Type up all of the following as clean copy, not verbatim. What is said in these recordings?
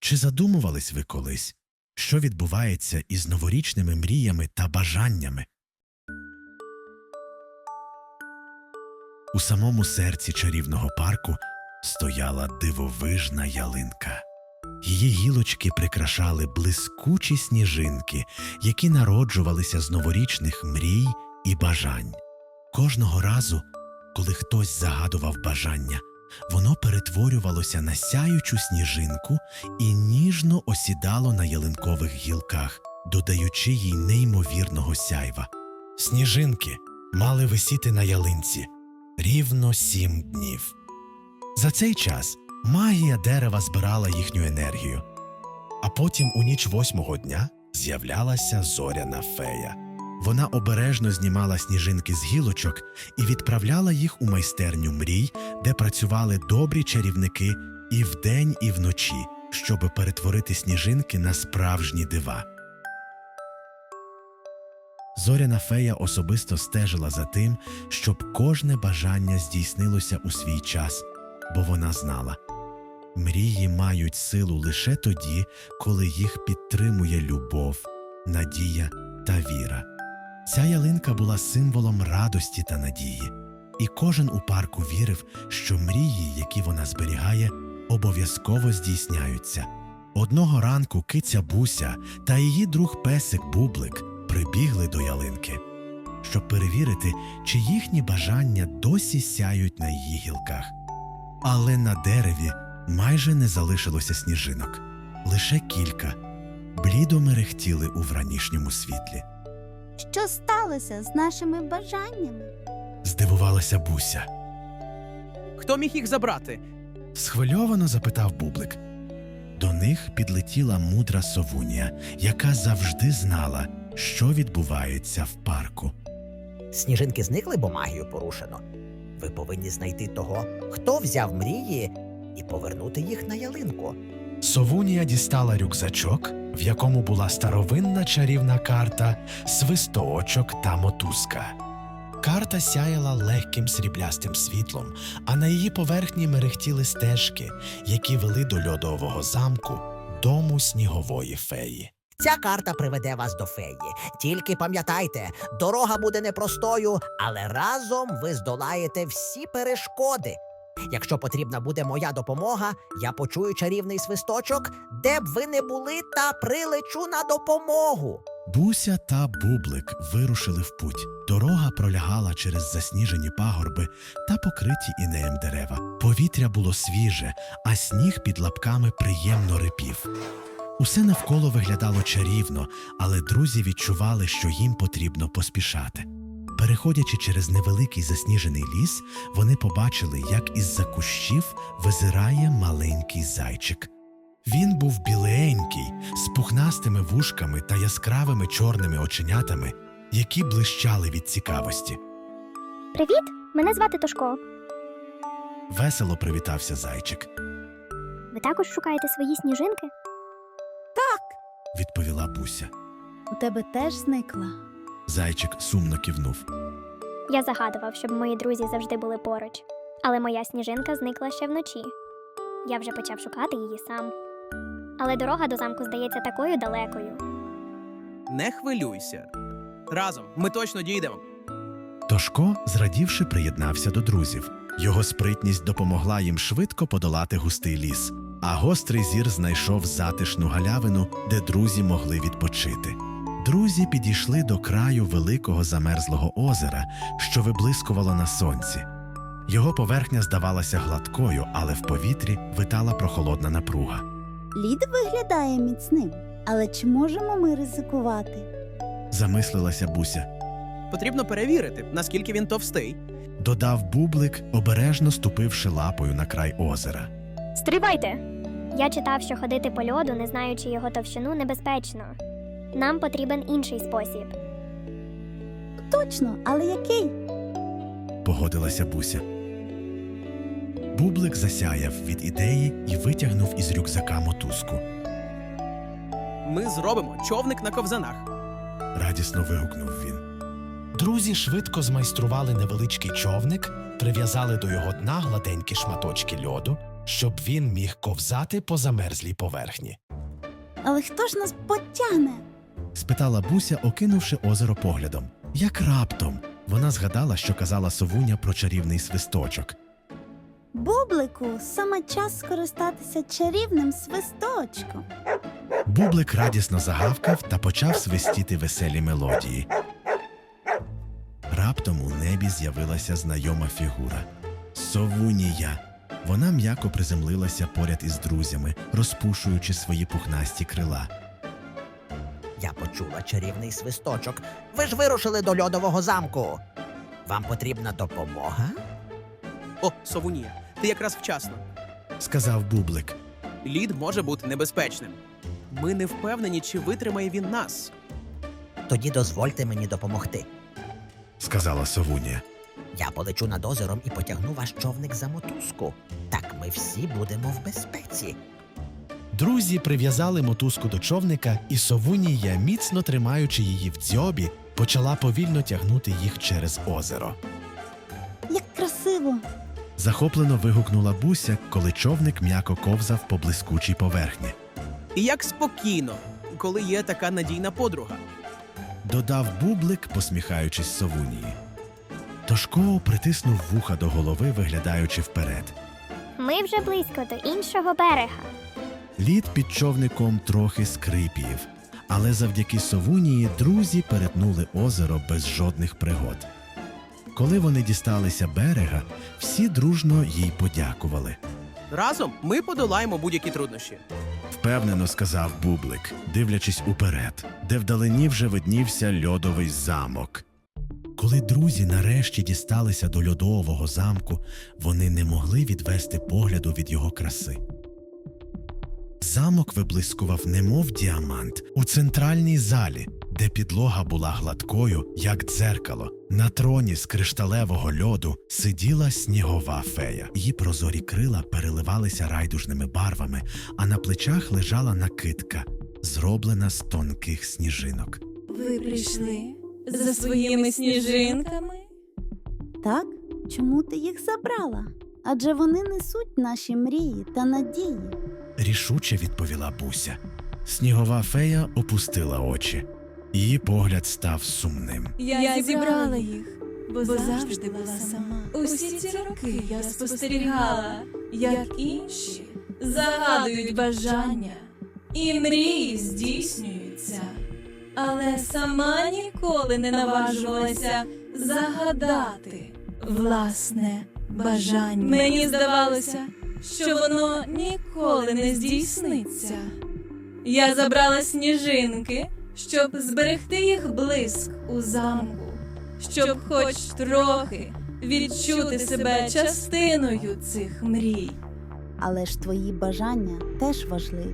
Чи задумувались ви колись, що відбувається із новорічними мріями та бажаннями? У самому серці чарівного парку стояла дивовижна ялинка. Її гілочки прикрашали блискучі сніжинки, які народжувалися з новорічних мрій і бажань. Кожного разу, коли хтось загадував бажання, воно перетворювалося на сяючу сніжинку і ніжно осідало на ялинкових гілках, додаючи їй неймовірного сяйва. Сніжинки мали висіти на ялинці рівно 7 днів. За цей час магія дерева збирала їхню енергію, а потім у ніч 8-го дня з'являлася зоряна фея. Вона обережно знімала сніжинки з гілочок і відправляла їх у майстерню мрій, де працювали добрі чарівники і вдень, і вночі, щоб перетворити сніжинки на справжні дива. Зоряна фея особисто стежила за тим, щоб кожне бажання здійснилося у свій час, бо вона знала – мрії мають силу лише тоді, коли їх підтримує любов, надія та віра. Ця ялинка була символом радості та надії, і кожен у парку вірив, що мрії, які вона зберігає, обов'язково здійсняються. Одного ранку киця Буся та її друг-песик Бублик прибігли до ялинки, щоб перевірити, чи їхні бажання досі сяють на її гілках. Але на дереві майже не залишилося сніжинок. Лише кілька блідо мерехтіли у вранішньому світлі. Що сталося з нашими бажаннями? Здивувалася Буся. Хто міг їх забрати? Схвильовано запитав Бублик. До них підлетіла мудра совунія, яка завжди знала, що відбувається в парку. Сніжинки зникли, бо магію порушено. Ви повинні знайти того, хто взяв мрії, і повернути їх на ялинку. Совунія дістала рюкзачок, в якому була старовинна чарівна карта, свисточок та мотузка. Карта сяяла легким сріблястим світлом, а на її поверхні мерехтіли стежки, які вели до льодового замку, дому снігової феї. Ця карта приведе вас до феї. Тільки пам'ятайте, дорога буде непростою, але разом ви здолаєте всі перешкоди. Якщо потрібна буде моя допомога, я почую чарівний свисточок, де б ви не були, та прилечу на допомогу. Буся та Бублик вирушили в путь. Дорога пролягала через засніжені пагорби та покриті інеєм дерева. Повітря було свіже, а сніг під лапками приємно рипів. Усе навколо виглядало чарівно, але друзі відчували, що їм потрібно поспішати. Переходячи через невеликий засніжений ліс, вони побачили, як із-за кущів визирає маленький зайчик. Він був біленький, з пухнастими вушками та яскравими чорними оченятами, які блищали від цікавості. Привіт, мене звати Тошко. Весело привітався зайчик. Ви також шукаєте свої сніжинки? Відповіла Буся. У тебе теж зникла? Зайчик сумно кивнув. Я загадував, щоб мої друзі завжди були поруч. Але моя сніжинка зникла ще вночі. Я вже почав шукати її сам. Але дорога до замку здається такою далекою. Не хвилюйся. Разом ми точно дійдемо. Тошко, зрадівши, приєднався до друзів. Його спритність допомогла їм швидко подолати густий ліс, а гострий зір знайшов затишну галявину, де друзі могли відпочити. Друзі підійшли до краю великого замерзлого озера, що виблискувало на сонці. Його поверхня здавалася гладкою, але в повітрі витала прохолодна напруга. Лід виглядає міцним, але чи можемо ми ризикувати? Замислилася Буся. Потрібно перевірити, наскільки він товстий. Додав Бублик, обережно ступивши лапою на край озера. Стривайте! Я читав, що ходити по льоду, не знаючи його товщину, небезпечно. Нам потрібен інший спосіб. Точно, але який? Погодилася Буся. Бублик засяяв від ідеї і витягнув із рюкзака мотузку. Ми зробимо човник на ковзанах. Радісно вигукнув він. Друзі швидко змайстрували невеличкий човник, прив'язали до його дна гладенькі шматочки льоду, щоб він міг ковзати по замерзлій поверхні. Але хто ж нас потягне? Спитала Буся, окинувши озеро поглядом. Як раптом вона згадала, що казала совуня про чарівний свисточок. Бублику, саме час скористатися чарівним свисточком. Бублик радісно загавкав та почав свистіти веселі мелодії. Раптом у небі з'явилася знайома фігура – совунія. Вона м'яко приземлилася поряд із друзями, розпушуючи свої пухнасті крила. Я почула чарівний свисточок. Ви ж вирушили до льодового замку. Вам потрібна допомога? О, совунія, ти якраз вчасно. Сказав Бублик. Лід може бути небезпечним. Ми не впевнені, чи витримає він нас. Тоді дозвольте мені допомогти. Сказала совунія. Я полечу над озером і потягну ваш човник за мотузку. Так ми всі будемо в безпеці. Друзі прив'язали мотузку до човника, і совунія, міцно тримаючи її в дзьобі, почала повільно тягнути їх через озеро. Як красиво! Захоплено вигукнула Буся, коли човник м'яко ковзав по блискучій поверхні. І як спокійно, коли є така надійна подруга. Додав Бублик, посміхаючись совунії. Тошко притиснув вуха до голови, виглядаючи вперед. Ми вже близько до іншого берега. Лід під човником трохи скрипів, але завдяки совунії друзі перетнули озеро без жодних пригод. Коли вони дісталися берега, всі дружно їй подякували. Разом ми подолаємо будь-які труднощі. Впевнено сказав Бублик, дивлячись уперед, де вдалині вже виднівся льодовий замок. Коли друзі нарешті дісталися до льодового замку, вони не могли відвести погляду від його краси. Замок виблискував немов діамант у центральній залі, де підлога була гладкою, як дзеркало. На троні з кришталевого льоду сиділа снігова фея. Її прозорі крила переливалися райдужними барвами, а на плечах лежала накидка, зроблена з тонких сніжинок. Ви прийшли за своїми сніжинками? Так? Чому ти їх забрала? Адже вони несуть наші мрії та надії. Рішуче відповіла Буся. Снігова фея опустила очі. Її погляд став сумним. Я зібрала їх, бо завжди була сама. Усі ці роки я спостерігала, як інші загадують бажання, і мрії здійснюються. Але сама ніколи не наважувалася загадати власне бажання. Мені здавалося, що воно ніколи не здійсниться. Я забрала сніжинки, щоб зберегти їх блиск у замку, щоб хоч трохи відчути себе частиною цих мрій. Але ж твої бажання теж важливі.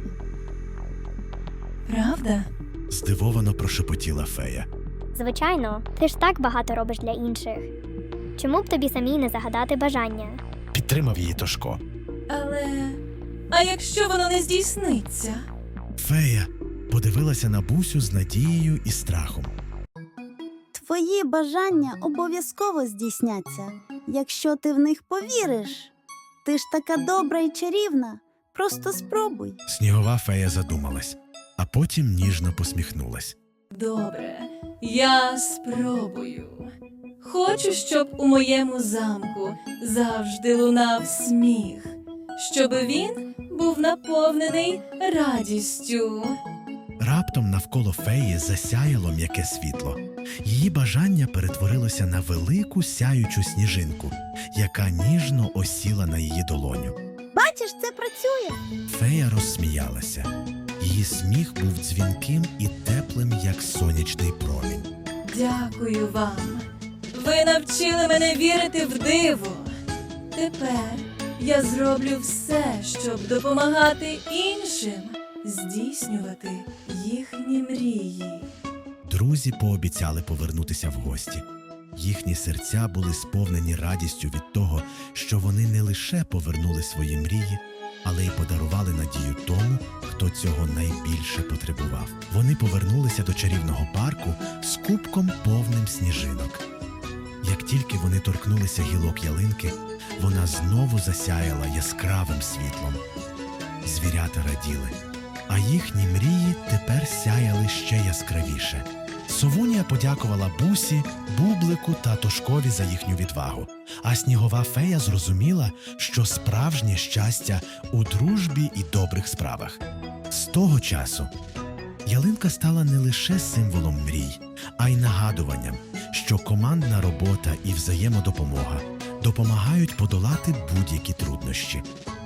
Правда? Здивовано прошепотіла фея. Звичайно, ти ж так багато робиш для інших. Чому б тобі самій не загадати бажання? Підтримав її Тошко. А якщо воно не здійсниться? Фея подивилася на Бусю з надією і страхом. Твої бажання обов'язково здійсняться, якщо ти в них повіриш. Ти ж така добра і чарівна. Просто спробуй. Снігова фея задумалась, а потім ніжно посміхнулась. Добре, я спробую. Хочу, щоб у моєму замку завжди лунав сміх, щоб він був наповнений радістю. Раптом навколо феї засяяло м'яке світло. Її бажання перетворилося на велику сяючу сніжинку, яка ніжно осіла на її долоню. Бачиш, це працює. Фея розсміялася. Її сміх був дзвінким і теплим, як сонячний промінь. Дякую вам. Ви навчили мене вірити в диво. Тепер я зроблю все, щоб допомагати іншим здійснювати їхні мрії. Друзі пообіцяли повернутися в гості. Їхні серця були сповнені радістю від того, що вони не лише повернули свої мрії, але й подарували надію тому, хто цього найбільше потребував. Вони повернулися до чарівного парку з кубком повним сніжинок. Як тільки вони торкнулися гілок ялинки, вона знову засяяла яскравим світлом. Звірята раділи, а їхні мрії тепер сяяли ще яскравіше. Совунія подякувала Бусі, Бублику та Тошкові за їхню відвагу, а снігова фея зрозуміла, що справжнє щастя у дружбі і добрих справах. З того часу ялинка стала не лише символом мрій, а й нагадуванням, що командна робота і взаємодопомога допомагають подолати будь-які труднощі.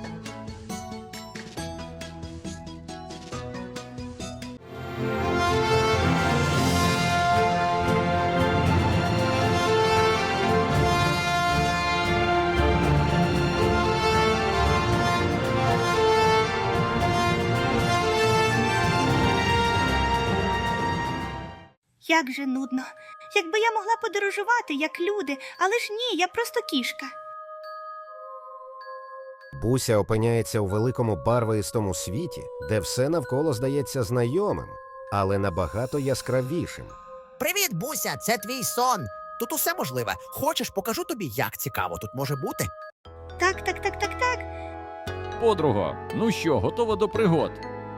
Як же нудно. Якби я могла подорожувати, як люди, але ж ні, я просто кішка. Буся опиняється у великому барвистому світі, де все навколо здається знайомим, але набагато яскравішим. Привіт, Буся, це твій сон. Тут усе можливе. Хочеш, покажу тобі, як цікаво тут може бути? Так. Подруго, ну що, готова до пригод?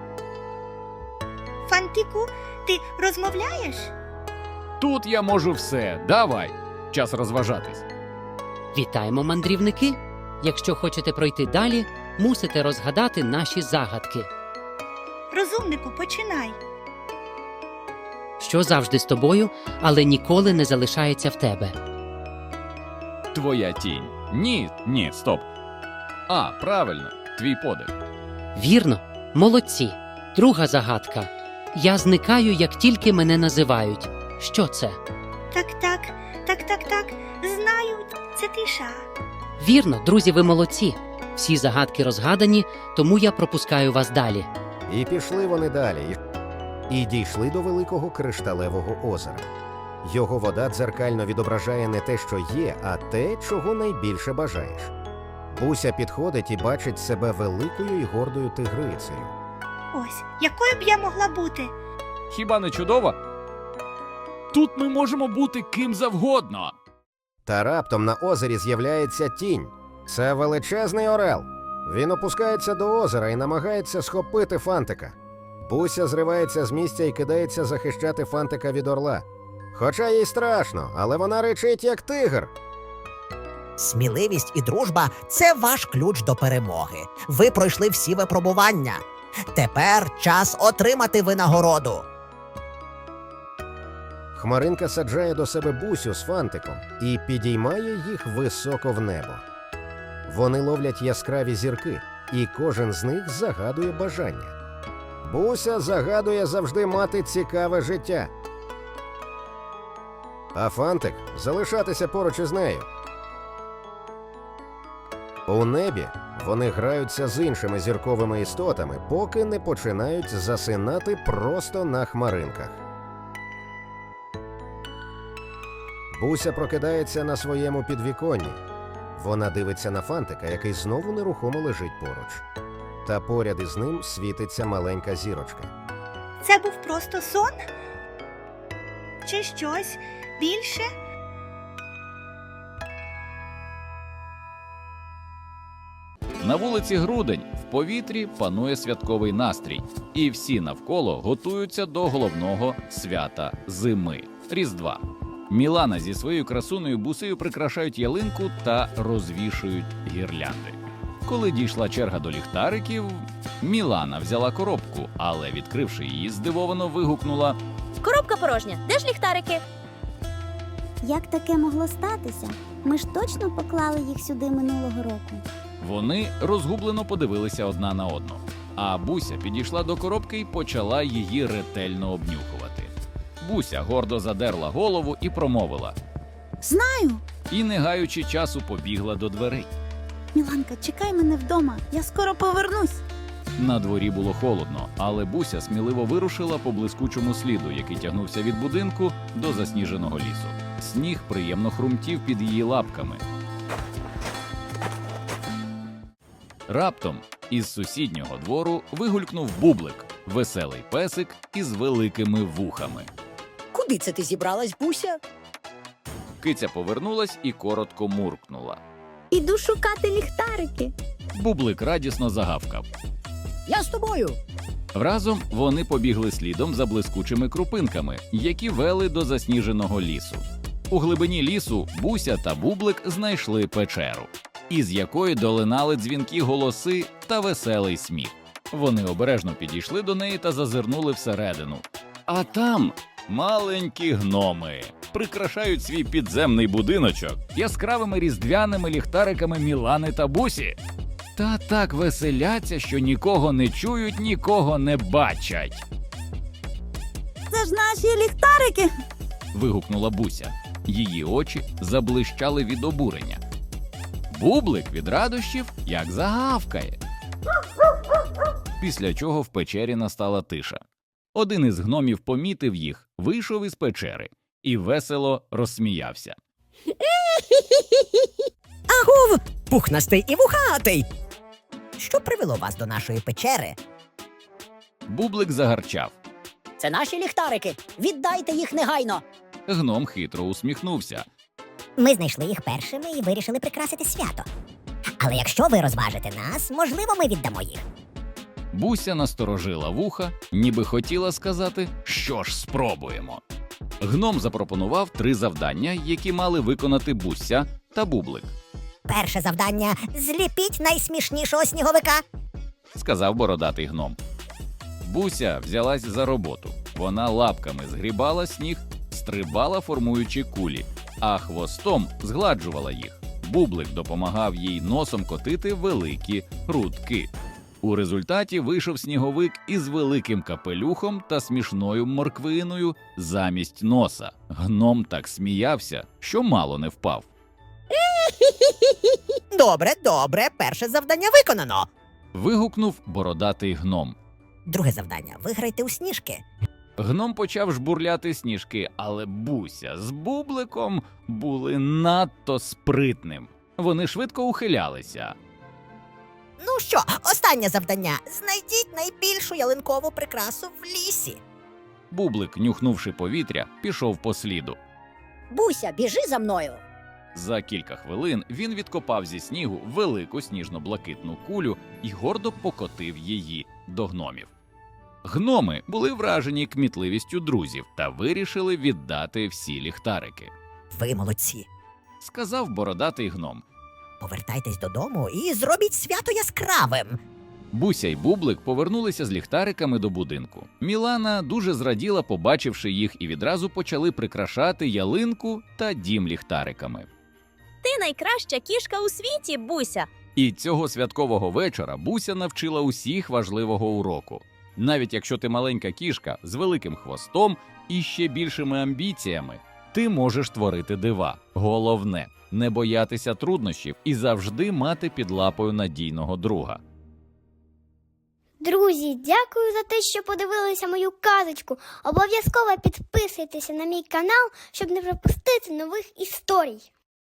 Фантику, ти розмовляєш? Тут я можу все. Давай. Час розважатись. Вітаємо, мандрівники! Якщо хочете пройти далі, мусите розгадати наші загадки. Розумнику, починай. Що завжди з тобою, але ніколи не залишається в тебе. Твоя тінь. Ні, стоп. А, правильно, твій подих. Вірно, молодці. Друга загадка. Я зникаю, як тільки мене називають. Що це? Так. Знаю, це тиша. Вірно, друзі, ви молодці. Всі загадки розгадані, тому я пропускаю вас далі. І пішли вони далі, і дійшли до великого кришталевого озера. Його вода дзеркально відображає не те, що є, а те, чого найбільше бажаєш. Буся підходить і бачить себе великою і гордою тигрицею. Ось, якою б я могла бути? Хіба не чудово? Тут ми можемо бути ким завгодно. Та раптом на озері з'являється тінь. Це величезний орел. Він опускається до озера і намагається схопити Фантика. Буся зривається з місця і кидається захищати Фантика від орла. Хоча їй страшно, але вона ричить як тигр. Сміливість і дружба – це ваш ключ до перемоги. Ви пройшли всі випробування. Тепер час отримати винагороду. Хмаринка саджає до себе Бусю з Фантиком і підіймає їх високо в небо. Вони ловлять яскраві зірки, і кожен з них загадує бажання. Буся загадує завжди мати цікаве життя. А Фантик – залишатися поруч із нею. У небі вони граються з іншими зірковими істотами, поки не починають засинати просто на хмаринках. Буся прокидається на своєму підвіконні. Вона дивиться на Фантика, який знову нерухомо лежить поруч. Та поряд із ним світиться маленька зірочка. Це був просто сон? Чи щось більше? На вулиці Грудень в повітрі панує святковий настрій, і всі навколо готуються до головного свята зими – Різдва. Мілана зі своєю красуною Бусею прикрашають ялинку та розвішують гірлянди. Коли дійшла черга до ліхтариків, Мілана взяла коробку, але, відкривши її, здивовано вигукнула: Коробка порожня. Де ж ліхтарики? Як таке могло статися? Ми ж точно поклали їх сюди минулого року. Вони розгублено подивилися одна на одну. А Буся підійшла до коробки і почала її ретельно обнюхувати. Буся гордо задерла голову і промовила. Знаю! І, не гаючи часу, побігла до дверей. Міланка, чекай мене вдома, я скоро повернусь. На дворі було холодно, але Буся сміливо вирушила по блискучому сліду, який тягнувся від будинку до засніженого лісу. Сніг приємно хрумтів під її лапками. Раптом із сусіднього двору вигулькнув Бублик, веселий песик із великими вухами. Куди це ти зібралась, Буся? Киця повернулась і коротко муркнула. Іду шукати ліхтарики. Бублик радісно загавкав. Я з тобою. Разом вони побігли слідом за блискучими крупинками, які вели до засніженого лісу. У глибині лісу Буся та Бублик знайшли печеру, із якої долинали дзвінкі голоси та веселий сміх. Вони обережно підійшли до неї та зазирнули всередину. А там маленькі гноми прикрашають свій підземний будиночок яскравими різдвяними ліхтариками Мілани та Бусі. Та так веселяться, що нікого не чують, нікого не бачать. Це ж наші ліхтарики. Вигукнула Буся. Її очі заблищали від обурення. Бублик від радощів як загавкає. Після чого в печері настала тиша. Один із гномів помітив їх, вийшов із печери і весело розсміявся. Агов, пухнастий і вухатий. Що привело вас до нашої печери? Бублик загарчав. Це наші ліхтарики. Віддайте їх негайно. Гном хитро усміхнувся. Ми знайшли їх першими і вирішили прикрасити свято. Але якщо ви розважите нас, можливо, ми віддамо їх. Буся насторожила вуха, ніби хотіла сказати, що ж спробуємо. Гном запропонував 3 завдання, які мали виконати Буся та Бублик. Перше завдання – зліпіть найсмішнішого сніговика. Сказав бородатий гном. Буся взялась за роботу. Вона лапками згрібала сніг, стрибала, формуючи кулі, а хвостом згладжувала їх. Бублик допомагав їй носом котити великі рудки. У результаті вийшов сніговик із великим капелюхом та смішною морквиною замість носа. Гном так сміявся, що мало не впав. Добре, добре, перше завдання виконано. Вигукнув бородатий гном. Друге завдання – виграйте у сніжки. Гном почав жбурляти сніжки, але Буся з Бубликом були надто спритним. Вони швидко ухилялися. Ну що, останнє завдання. Знайдіть найбільшу ялинкову прикрасу в лісі. Бублик, нюхнувши повітря, пішов по сліду. Буся, біжи за мною. За кілька хвилин він відкопав зі снігу велику сніжно-блакитну кулю і гордо покотив її до гномів. Гноми були вражені кмітливістю друзів та вирішили віддати всі ліхтарики. Ви молодці. Сказав бородатий гном. Повертайтесь додому і зробіть свято яскравим. Буся й Бублик повернулися з ліхтариками до будинку. Мілана дуже зраділа, побачивши їх, і відразу почали прикрашати ялинку та дім ліхтариками. Ти найкраща кішка у світі, Буся. І цього святкового вечора Буся навчила усіх важливого уроку. Навіть якщо ти маленька кішка з великим хвостом і ще більшими амбіціями, ти можеш творити дива. Головне – не боятися труднощів і завжди мати під лапою надійного друга. Друзі, дякую за те, що подивилися мою казочку. Обов'язково підписуйтеся на мій канал, щоб не пропустити нових історій.